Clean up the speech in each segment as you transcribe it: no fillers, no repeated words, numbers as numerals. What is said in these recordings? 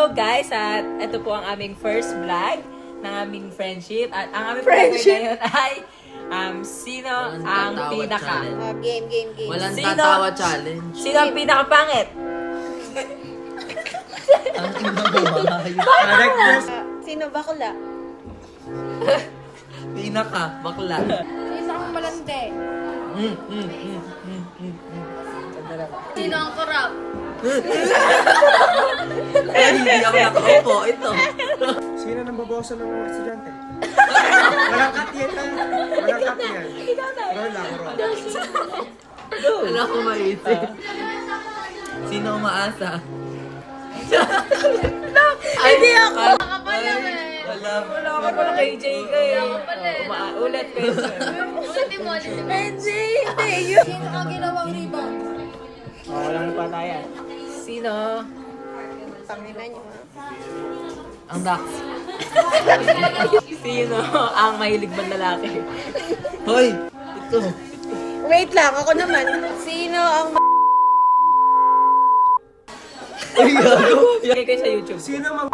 Hello guys, at ito po ang aming first vlog ng aming friendship. At ang aming friendship ngayon ay sino ang pinaka Game. Walang Sino? tatawa challenge. Sino ang pinakapangit? Ang ina Sino bakla? Pinaka, bakla. Sino ang malandi? Sino ang korap? Eh, hindi ako nakaupo. Ito. Sino nang babawasan ng mga estudyante? Walang cut yan, ha? Walang cut yan. Roll lang, roll. Wala ko maisip. Sino umaasa? Hindi ako! Wala Wala ka pala kay JK. Ulit kayo. Ulitin mo. Hindi. Sino ang ginawang rebound? Walang patayan. Sino? Pangina niyo, ha? Ang Dax. Sino ang mahilig bang lalaki? Hoy! Ito. Wait lang, ako naman. Sino ang Ay, gago. Lagay kayo sa YouTube. Sino mang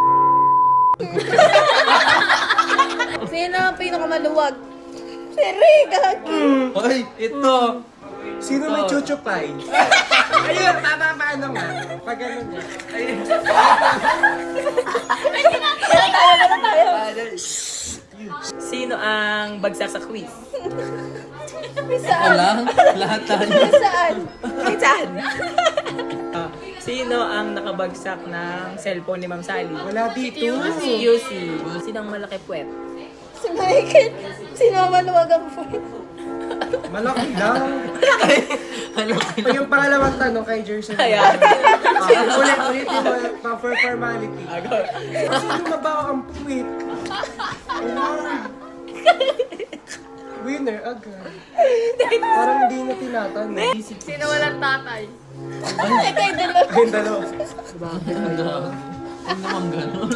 Sino ang pinakamaluwag? Si Rick! Hoy, ito. Sino may chuchupay? Ayun, paano nga? Pag ganun nga. Ayun. Sino ang bagsak sa quiz? Ako lang. Lahat tayo. Saan? Ay, saan? Sino ang nakabagsak ng cellphone ni Ma'am Sally? Wala dito. Si QC. Sino ang malaki puwet? Si Michael. Sino ang maluwag ang friend? Malaki lang. Ano? O yung pangalawang tanong kay Jerson. Ayan. Ulit yung for formality. Sino mabaho ang puwit? Winner agad. Parang hindi na tinatanong. Sino walang tatay? Ayun, dalawa. Bakit ang gago? Ano naman gano'n?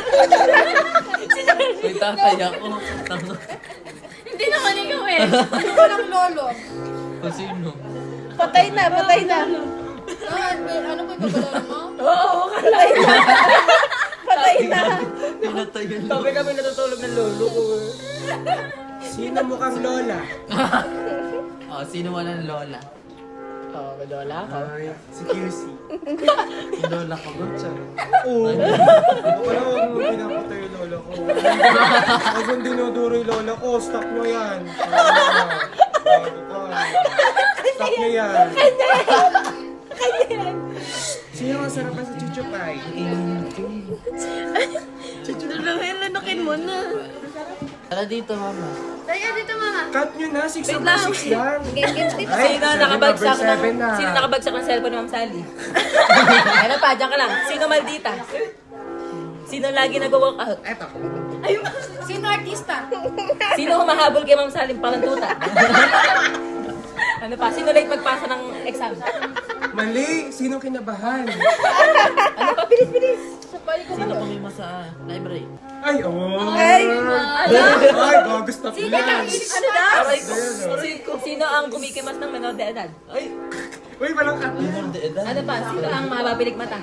May tatay ako. Hindi naman ikaw eh. Sino walang lolo? O sino? Patay na. Ano ba yung babalaro mo? Oo, Patay na. Pinatay yun. sabi kami natutulog ng lolo ko. Sino mukhang lola? O, sino walang lola? Oo, may lola ako. Ay, si QC. Yung lola ko ba? Oo. Ako pala huwag mo pinapatay yung lola ko. Huwag mong dinuduro yung lola ko. Stop mo yan. Stop mo yan. Sino ang sarapan sa chuchupay? Lanukin mo na. Tara dito, mama. Taya dito mama. Cut nyo na. 6 Wait over lang. 6 lang. Sino nakabagsak ng Seven na. Sino nakabagsak ng cellphone ni Ma'am Sally? Ano pa, diyan ka lang. Sino maldita? Sino lagi nag-walk out? Eto. Sino artista? Sino humahabol kay Ma'am Sally palantuta? Ano pa? Sino late magpasa ng exam? Mali. Sino kinabahan? Ano pa? Bilis! Sino kumima sa library? Ay, oh. Ay, Ay, gago. Stop yan. Ano daw? Sino ang kumikimas ng menor de edad? Ay! Uy, walang cut. Minor de edad. Ano pa? Sino ang mababilig mata?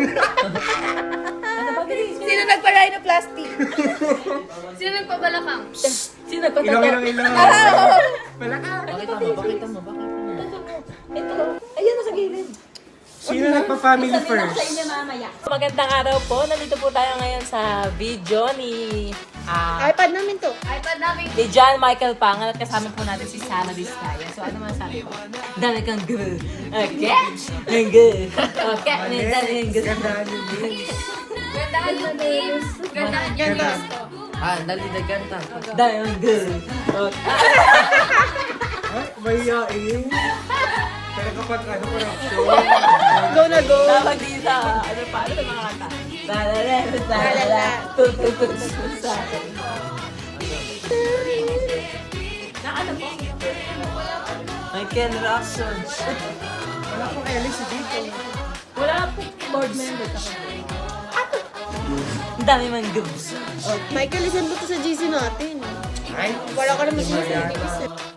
Ano pa? Bilis! sino nagpa-rhinoplasty? Sino nagpabalakang? Sino Ilong, nagpatato? ilong. Wala ka. Bakit mo? Bakit mo? Bakit mo? Ito. Ayan na sa gilid. Sino nagpa-family first? Magandang araw po. Nandito po tayo ngayon sa video ni iPad namin to. iPad namin. ni John Michael Pangan at kasama po natin si Sarah Vizcaya. So ano man sabi ko? Dami kang good. Okay? Ang good. Okay? May dami kang good. Gandaan yung names. Gandahan yung names. Gandahan yung names ko. Ah, dali na ganta. Dami kang good. Okay. Ay, mahihain. Pero kapag ano, corruption. Go na go. Tawag dito. Ano pa? Ano ba mga kanta? Lalala, lalala, tututut sa akin. Na ano po? Michael Roxon. Wala pong Ellis dito. Wala po board member ako. Ang dami man gubs. Michael, isan mo to sa GC natin. Ay, Wala ka naman Mariana. GC.